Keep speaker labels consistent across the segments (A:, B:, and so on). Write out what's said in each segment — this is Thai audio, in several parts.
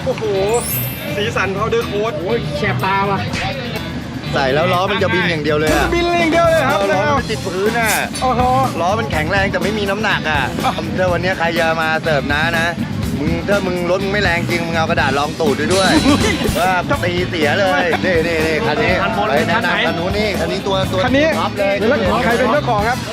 A: โอ้โหสีสันพาวเดอร์โค้ด
B: โอ้ยแฉบตาว่ะ
C: ใส่แล้วล้อมันจะบินอย่างเดียวเลยอะ
A: บินอย่างเดียวเลยครับ
C: ล้อมันติดพื้นอะ
A: โอ้โห
C: ล้อมันแข็งแรงแต่ไม่มีน้ำหนักอะถ้าวันนี้ใครจะมาเสิร์ฟนะถ้ามึงรถมึงไม่แรงจริงมึงเอากระดาษรองตูดด้วยว่าตีเสียเลยนี่คันนี้ไปแนะนำคันนู้นนี่คันนี้ตัว
A: คันนี้
C: ท็อปเลย
A: ใครเป็นเจ้าของครับ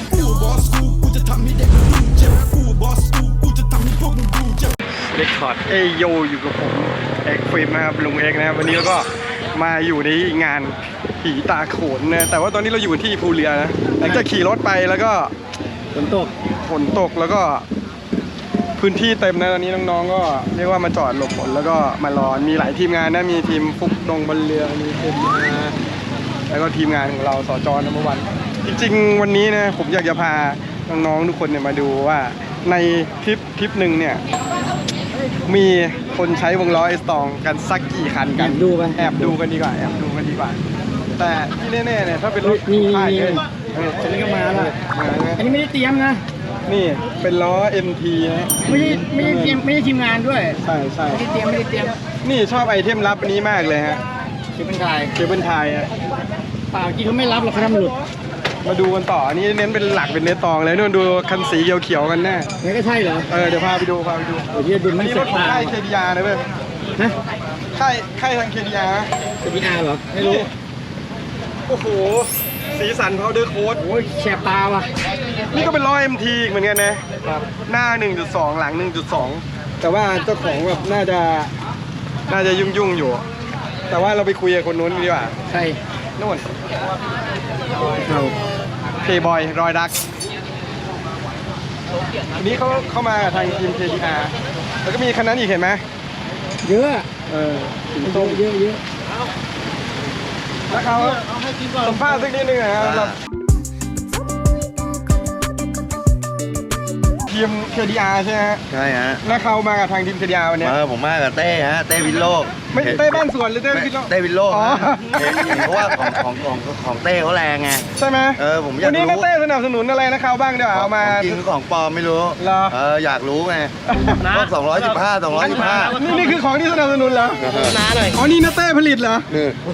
A: เรคคอร์ดเอโยอยู่กับผมเอกฟิล์มนะครับลุงเอกนะครับวันนี้เราก็มาอยู่ในงานผีตาโขนนะแต่ว่าตอนนี้เราอยู่ที่ภูเรือนะหลังจากขี่รถไปแล้วก็ฝนตกแล้วก็พื้นที่เต็มนะตอนนี้น้องๆก็เรียกว่ามาจอดหลบฝนแล้วก็มารอมีหลายทีมงานนะมีทีมฟุกดงบนเรือมีทีมแล้วก็ทีมงานของเราสจนวันจริงๆวันนี้นะผมอยากจะพาน้องๆทุกคนเนี่ยมาดูว่าในทริปหนึ่งเนี่ยมีคนใช้วงล้อไอสตองกันสักกี่คันกันแอบดูกันดีกว่าแต่ที่แน่ๆเนี่ยถ้าเป็นรถค่ายเลย
B: ฉันก็มาแล้วอันนี้ไม่ได้เตรียมนะ
A: นี่เป็นล้อ MT นะ
B: ไม่ได้ทีมงานด้วย
A: ใช่
B: ไม่ได้เตรียม
A: นี่ชอบไอเทมลับอันนี้มากเลยฮะ
B: เคเบิลไทย
A: ฮะ
B: เปล่าจริงเขาไม่รับหรอกเขาทำหลุด
A: มาดูกันต่ออันนี้เน้นเป็นหลักเป็นเนื้อตองเลยนู่นดูคันสีเขียวๆกันแน่
B: นี่ก็ใช่เหรอ
A: เดี๋ยวพาไปดู
B: เดี๋ยวดูไม่
A: รถของค่าย KDR นะเว้ย
B: นะ
A: ค่ายทาง KDR
B: เหรอไม่รู้
A: โอ้โหสีสันพาวเดอร์โค้ด
B: โอ้ยแฉบตาว่ะ
A: นี่ก็เป็นล้อ MT เหมือนกันนะครับหน้า 1.2 หลัง 1.2 แต่ว่าเจ้าของแบบน่าจะยุ่งอยู่แต่ว่าเราไปคุยกับคนนู้นดีกว่า
B: ใช่
A: นู่นเคบอยรอยดักทีนี้เข้ามาทางทีม KDR แล้วก็มีคันนั้นอีกเห็นไหม
B: เยอะเยอะ
A: แล้วเขาสัมภาษณ์สักนิดนึงนะครับทีม KDR ใช่ไหมฮะ
C: ใช่ฮะ
A: แล้วเขามากับทางทีม KDR วันนี้
C: ผมมากับเต้ฮะเต้วินโลก
A: ไม่เต้บ้านสวนหรือเต้วินโลก
C: เต้วินโลกเพราะว่าของเต้เขาแรงไง
A: ใช่ไหม
C: ผมอยากรู้
A: วันนี้เต้สนับสนุนอะไรนะเขาบ้างเดี๋ยวเอามา
C: จริงของปลอมไม่รู้อยากรู้ไงพวก215
A: นี่คือของที่สนับสนุนเหรอ
B: น้าหน่อย
A: อ๋อนี่นะเต้ผลิตเหรอ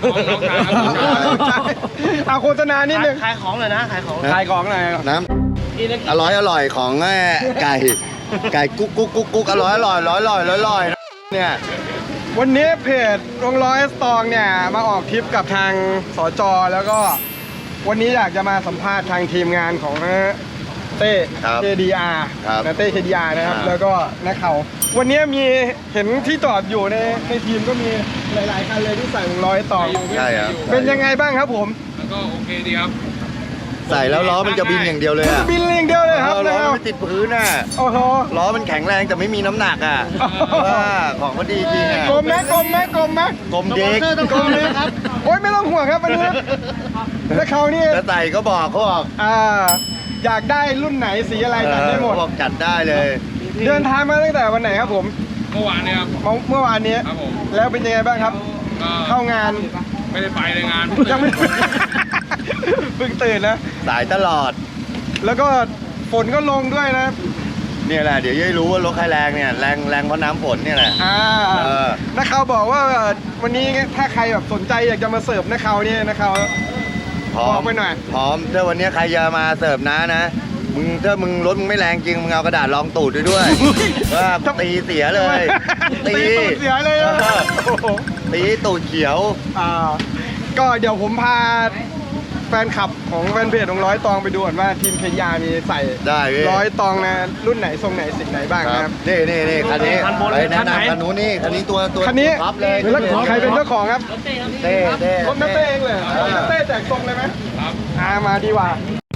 A: เอาโฆษณานิดนึง
B: ขายของเลยนะขายของ
A: หน่อย
C: น้ำอร่อยของไก่กุ๊กอร่อยเนี่ย
A: วันนี้เพจวงล้อสตองเนี่ยมาออกทริปกับทางสจแล้วก็วันนี้อยากจะมาสัมภาษณ์ทางทีมงานของเต้ KDR นะเต้ KDR นะครับแล้วก็นักข่าววันนี้มีเห็นที่จอดอยู่ในทีมก็มีหลายๆคันเลยที่ใส่วงล้อสตอง
C: ใช่ครับ
A: เป็นยังไงบ้างครับผม
D: ก็โอเคดีครับ
C: ใส่แล้วล้อมันจะบินอย่างเดียวเลยอะ
A: บินอย่างเดียวเลยครับ
C: ล้อมันติดพื้นอะ
A: โอ้โห
C: ล้อมันแข็งแรงแต่ไม่มีน้ำหนักอะว่าของมันดีจริงอะ
A: กลมไหม
C: กลมเด็ก
A: ครับโอ๊ยไม่ต้องห่วงครับวันนี้แล้วเขานี่
C: จะใส่ก็บอกเขาบอก
A: อยากได้รุ่นไหนสีอะไรจัดได้หมด
C: บอกจัดได้เลย
A: เดินทางมาตั้งแต่วันไหนครับผม
D: เมื่อวานนี้ครับ
A: เมื่อวานนี้
D: ครับผม
A: แล้วเป็นยังไงบ้างครับเข้างาน
D: ไม่ได้ไปเลยงาน
A: ยังไม่เพิ่งตื่นนะ
C: สายตลอด
A: แล้วก็ฝนก็ลงด้วยนะ
C: เนี่ยแหละเดี๋ยวจะรู้ว่ารถใครแรงเนี่ยแรงเพราะน้ำฝนเนี่ยแหละ
A: นักข่าวบอกว่าวันนี้ถ้าใครแบบสนใจอยากจะมาเสิร์ฟนักข่าวนี่นักข่าวพร้อมไปหน่อย
C: พร้อมถ้าวันนี้ใครจะมาเสิร์ฟนะถ้ามึงรถมึงไม่แรงจริงมึงเอากระดาษรองตูดด้วยว่าตีเสียเลย
A: ตีตูดเสียเลย
C: ตีตูดเขียว
A: ก็เดี๋ยวผมพาแฟนคลับของแฟนเพจของร้อยตองไปดูก่อนว่าทีมKDRมีใส่ร้อยตองนะรุ่นไหนทรงไหนสิ่งไหนบ้างนะครับ
C: นี่คันนี้ไปแนะนำคันนู้นนี่คันนี้ตัว
A: คันนี้
C: ท็อปเลย
A: แล้วใครเป็นเจ้าของครับ
C: เต้
A: รถนักเต้เองเลยนักเต้แจกทรงเลยไหมมาดีกว่า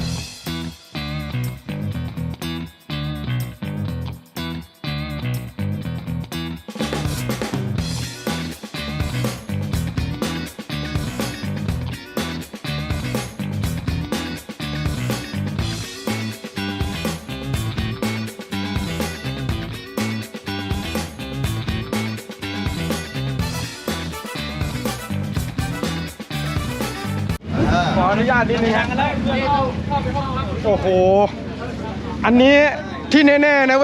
A: ขออนุญาตนิดนึงครับโอ้โหอันนี้ที่แน่ๆนะเว้ย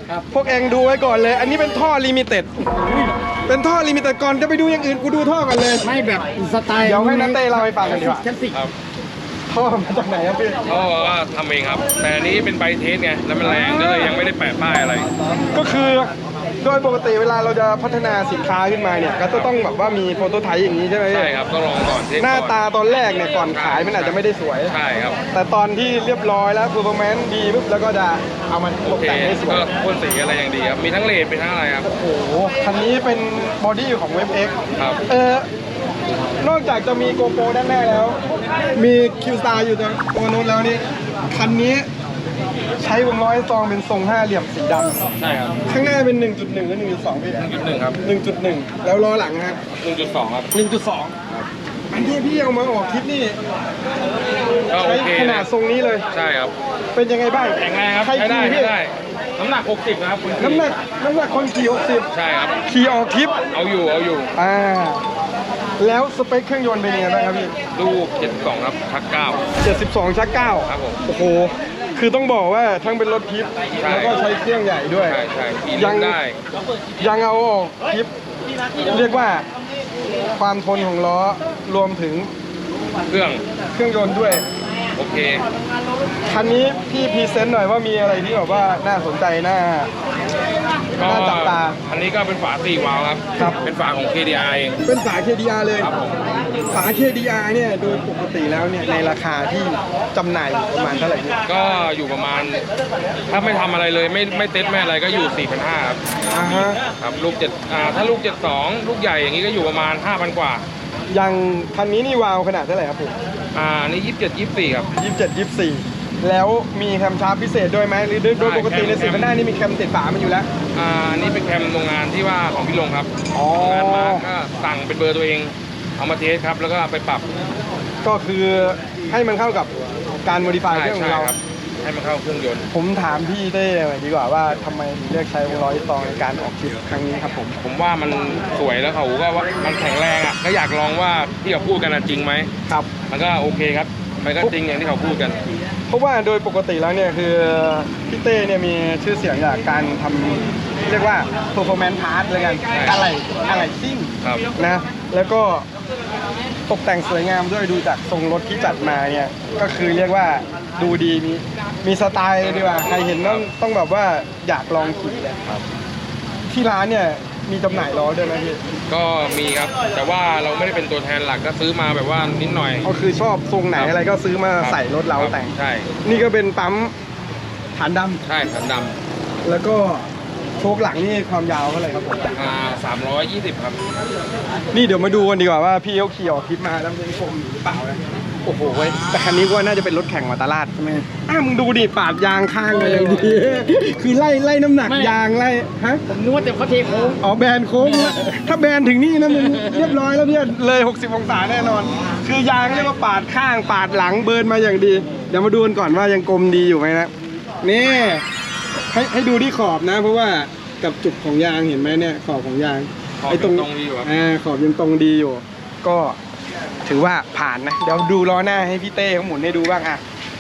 B: ครับ
A: พวกเองดูไว้ก่อนเลย อันนี้เป็นท่อลิมิเต็ดเป็นท่อลิมิเต็ดก่อนจะไปดูอย่างอื่นกูดูท่อกันเลย
B: ไม่แบบสไตล์
A: เดี๋ยวให้นัทเต้เล่าให้ฟังกันดีกว่า
B: คลาสสิก
D: ครับ
A: ท่อมาจากไหนครับพี่
D: เขาบอกว่าทำเองครับ แต่อันนี้เป็นใบเทสไงแล้วมันแรงก็เลยยังไม่ได้แปะป้ายอะไร
A: ก็คือโดยปกติเวลาเราจะพัฒนาสินค้าขึ้นมาเนี่ยก็จะต้องแบบว่ามีโปรโตไทป์อย่างนี้ใช่ไหมพี่
D: ใช่ครับต้องลองก่อนเทส
A: หน้า
D: ก่อน
A: ตาตอนแรกเนี่ยก่อนขายมันอาจจะไม่ได้สวย
D: ใช่ครับ
A: แต่ตอนที่เรียบร้อยแล้ว performance ดีปุ๊บแล้วก็จะเอามันต
D: โอก เค
A: แต่งให้สวย
D: ก็พ่นสีอะไรอย่างดีครับมีทั้งเลดมีทั้งอะไรครับ
A: โอ้โห คันนี้เป็นบอดี้ของเว็บ X
D: ครับ
A: นอกจากจะมีโกโปรด้านหน้าแล้ว มีคิวสตาร์อยู่ตัวนู้นแล้วนี่ คันนี้ใช้วงล้อซองเป็นทรงห้าเหลี่ยมสีด
D: ใช่ครับ
A: ำข้างหน้าเป็น 1.1 หรือ 1.2 พี่
D: 1.1ครับ
A: 1.1 แล้วล้อหลังครับ
D: 1.2ครับ
A: 1.2 อันที่พี่เอามาออกคลิปนี่
D: ก็โอ
A: ใช้
D: เค
A: ขนาดทรงนี้เลย
D: ใช่ครับ
A: เป็นยังไงบ้าง
D: แข็งแรงครับ
A: ใคร
D: ใช้ได้
A: ขี่
D: ใช้
A: พี่
D: ได้น้ำหนัก 60นะครับคุณ
A: น้ำหนักคนขี่
D: ใช่ครับ
A: 60 ขี่ออกทริป
D: เอาอยู่
A: อ่า แล้วสเปคเครื่องยนต์เป็นยังไงบ้างครับพี่
D: ลูก72ครับชัก9
A: 72 ชัก 9
D: ครับผม
A: โอ้โห คือต้องบอกว่าทั้งเป็นรถทิป
D: ใช่
A: แล้วก็ใช้เครื่องใหญ่ด้วย
D: ใช่ขี่เล่นได้
A: ยังเอาออกทิป เรียกว่าความทนของล้อรวมถึง
D: เครื่อง
A: เครื่องยนต์ด้วย
D: โอเค
A: คันนี้พี่พรีเซนต์หน่อยว่ามีอะไรที่แบบว่าน่าสนใจน่าจับตา
D: อันนี้ก็เป็นฝา4วาล์วครับ
A: ครับ
D: เป็นฝาของ KDI เอง
A: เป็นฝา KDR เลย
D: ครับผม
A: ฝา KDR เนี่ยโดยปกติแล้วเนี่ยในราคาที่จำหน่ายอยู่ประมาณเท่าไหร่พี่
D: ก็อยู่ประมาณ ถ้าไม่ทำอะไรเลยไม่เต็ดไม่อะไรก็อยู่ 4,500ครับ
A: อ่าฮะ
D: ครับลูกถ้าลูก 72 ลูกใหญ่อย่างนี้ก็อยู่ประมาณ 5,000 กว่า
A: อย่างคันนี้นี่วาวขนาดเท่าไหร่ครับผม
D: อันนี้ 27 24 ครับ
A: 27 24 แล้วมีแคมชาร์ปพิเศษด้วยไหมหรือโดยปกติในสิบหน้านี่มีแคมติดฝามันอยู่แล้ว
D: อันนี้เป็นแคมโรงงานที่ว่าของพี่ลงครับ
A: อ๋อ
D: โรงงานมาก็สั่งเป็นเบอร์ตัวเอง เอามาเทสครับ แล้วก็ไปปรับ
A: ก็คือให้มันเข้ากับการโมดิฟายเครื่องของเรา
D: ครับ ให้มันเข้าเครื่องยนต์
A: ผมถามพี่เต้หน่อยดีกว่าว่าทำไมถึงเลือกใช้วงล้อซองในการออกทริปครั้งนี้ครับผม
D: ผมว่ามันสวยแล้วเขาก็ว่ามันแข็งแรงอ่ะก็อยากลองว่าที่เขาพูดกันจริงไหม
A: ครับ
D: มันก็โอเคครับ มันก็จริงอย่างที่เขาพูดกัน
A: เพราะว่าโดยปกติแล้วเนี่ยคือพี่เต้เนี่ยมีชื่อเสียงจากการทำเรียกว่า performance part เลยกัน
D: ใช่
A: อะไรซิ่ง
D: ครับ
A: นะแล้วก็ตกแต่งสวยงามด้วยดูจากทรงรถที่จัดมาเนี่ยก็คือเรียกว่าดูดีมีสไตล์เลยดีกว่าใครเห็นต้องแบบว่าอยากลองขี่เลยครับที่ร้านเนี่ยมีจำหน่ายล้อด้วยไหมพี่
D: ก็มีครับ แต่ว่าเราไม่ได้เป็นตัวแทนหลักก็ซื้อมาแบบว่านิดหน่อย
A: ก็คือชอบทรงไหนอะไรก็ซื้อมาใส่รถเรา
D: คบ
A: แต่ง
D: ใช่
A: นี่ก็เป็นปั๊มฐานด
D: ใช่ขันด
A: ำแล้วก็โชคหลังนี่ความยาวเท่าไหร่ครับผม
D: ำ320 ครับ
A: นี่เดี๋ยวมาดูกันดีกว่าว่าพี่เขาขี่ออกทริปมาแล้วยังชมอยู่หรือเปล่านะโอ้โหเว้ยแต่คันนี้ก็น่าจะเป็นรถแข่งมาตลาดใช่ไหมมึงดูดิปาดยางข้างมาอย่างดี คือไล่น้ำหนักยางไล่ฮะ
B: ผมนึกว่าแต่เขาเทโค้ง
A: อ๋อแบนโค้งถ้าแบนถึงนี่นะมึงเรียบร้อยแล้วเนี่ยเลย 60 องศาแน่นอน คือยางเรียกว่าปาดข้างปาดหลังเบิร์นมาอย่างดี เดี๋ยวมาดูกันก่อนว่ายังกลมดีอยู่ไหมนะนี่ให้ดูที่ขอบนะ เพราะว่ากับจุดของยางเห็นไหมเนี่ยขอบของยาง
D: ขอบ
A: ไอ้
D: ยังตรงดีอยู่ครับ
A: ขอบยังตรงดีอยู่ ก็ถือว่าผ่านนะ เดี๋ยวดูล้อหน้าให้พี่เต้เขาหมุนให้ดูบ้างอ่ะ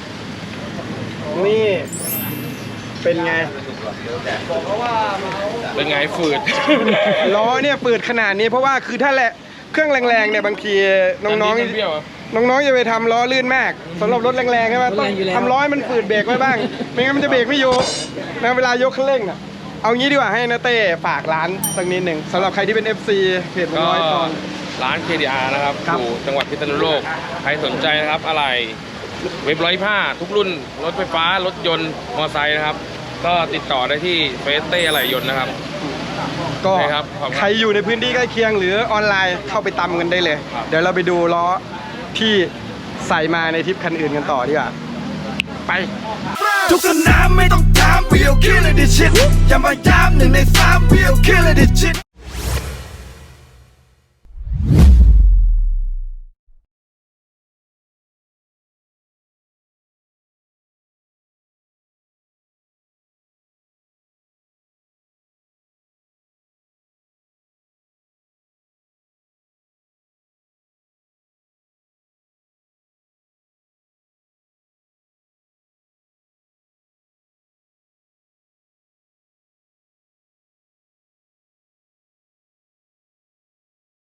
A: นี่เป็นไง
D: เป็นไงฝืด
A: ล้อเนี่ยเปิดขนาดนี้เพราะว่าคือถ้าแหละเครื่องแรงๆเนี่ยบางทีน้อง
D: เปรี้ยวครับ
A: ๆน้องๆอย่าไปทำล้อลื่นมากสำหรับรถแรงๆใช่ไหมต้องทำล้อให้มันฝืดเบรกไว้บ้าง ไม่งั้นมันจะเบรกไม่อยู่นะเวลายกคันเร่งน่ะเอางี้ดีกว่าให้นะเต้ฝากร้านสักนิดหนึ่งสำหรับใครที่เป็น FC เพจ
D: ก็
A: ร้อยตอน
D: ร้าน KDR นะครับ
A: ครับ
D: อยู่จังหวัดพิษณุโลก ใครสนใจนะครับอะไรเว็บ125ทุกรุ่นรถไฟฟ้ารถยนต์มอเตอร์ไซค์นะครับ ก็ติดต่อได้ที่เฟซเต้อะไหล่ยนต์นะครับ
A: ก็
D: ใช่ครับขอบคุณ
A: ใครอยู่ในพื้นที่ใกล้เคียงหรือออนไลน์เข้าไปตำกันได้เลย
D: ครับ
A: เดี๋ยวเราไปดูล้อที่ใส่มาในทริปคันอื่นกันต่อดีกว่าไป
E: ทุกสนามไม่ต้องถาม we'll kill it this shit อย่ามาย้ำ1 ใน 3 we'll kill it this shit